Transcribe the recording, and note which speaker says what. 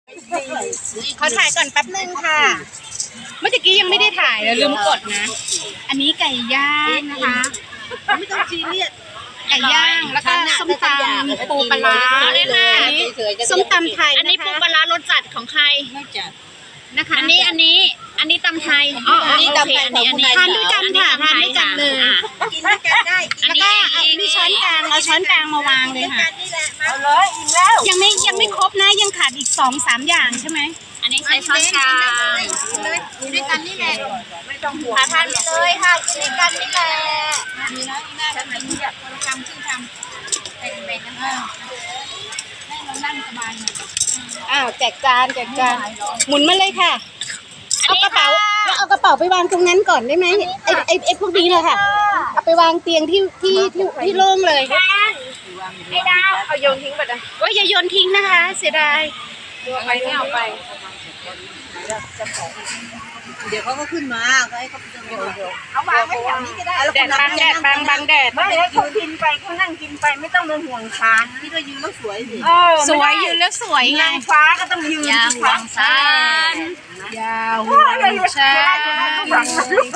Speaker 1: ขอถ่ายก่อนแป๊บนึงค่ะ เมื่อกี้ยังไม่ได้ถ่ายแล้วลืมกดนะ อันนี้ไก่ย่างนะคะ
Speaker 2: ไม่ต้องซีเรียส
Speaker 1: ไก่ย่างแล้วก็ส้มตำปูปลาร้า
Speaker 3: เอาเลยค่ะ
Speaker 1: อันนี้ส้มตำไทย
Speaker 3: อันนี้ปูปลาร้ารสจัดของใคร
Speaker 2: ไม่จัด
Speaker 1: นะคะ
Speaker 3: อันนี้ตำไทยอ๋ออันนี้ตำไทยอันนี้
Speaker 1: ทานด้วยกันค่ะทานด้วยกันเลย
Speaker 2: กินด้วยกันได้
Speaker 1: แล้วก็เอามีช้อนกลางเอาช้อนกลางมาวางเลยค่ะ
Speaker 2: นี่แหละเอาเลยอิ่มแล้ว
Speaker 1: ยังไม่ครบนะยังขาดอีก2-3อย่างใช่ไหม
Speaker 3: อันนี้ใช้ช้อนกลาง
Speaker 2: กินด้วยกันนี่แหละไม่ต้องห่วง
Speaker 3: ทานไปเลยค่ะกินด้วยกันนี่แหละ
Speaker 2: มีนะอีน่าทำแบบนี้แบบคนละคำครึ่งคำแบ่งกันให้เรานั่งสบายหน่อย
Speaker 1: อ้าวแจกจานหมุนมาเลยค่ะเอากระเป๋าแล้วเอากระเป๋าไปวางตรงนั้นก่อนได้ไหมไอ้พวกนี้เลยค่ะเอาไปวางเตียงที่โล่งเลย
Speaker 3: ไอ้ดาวเอาโยนทิ้งไปเลย
Speaker 1: ว่าอย่าโยนทิ้งนะคะ เสียดาย
Speaker 3: เอาไปไม่เอาไป
Speaker 2: เดี๋ยวเขาก็ขึ้นมาก็ให้เขาเดี๋ยวเอาวางไว้แถวนี้ก็ได้
Speaker 1: แดดบังแดด
Speaker 2: ไม่ให้เขากินไปเขานั่งกินไปไม่ต้องมาห่วงชานที่เรายืนแล้วสวยสิ
Speaker 1: สวยยืนแล้วสวยไง
Speaker 2: นางฟ้าก็ต้องยืน
Speaker 3: อย่าห่วงซาน
Speaker 1: ยาวหัวชา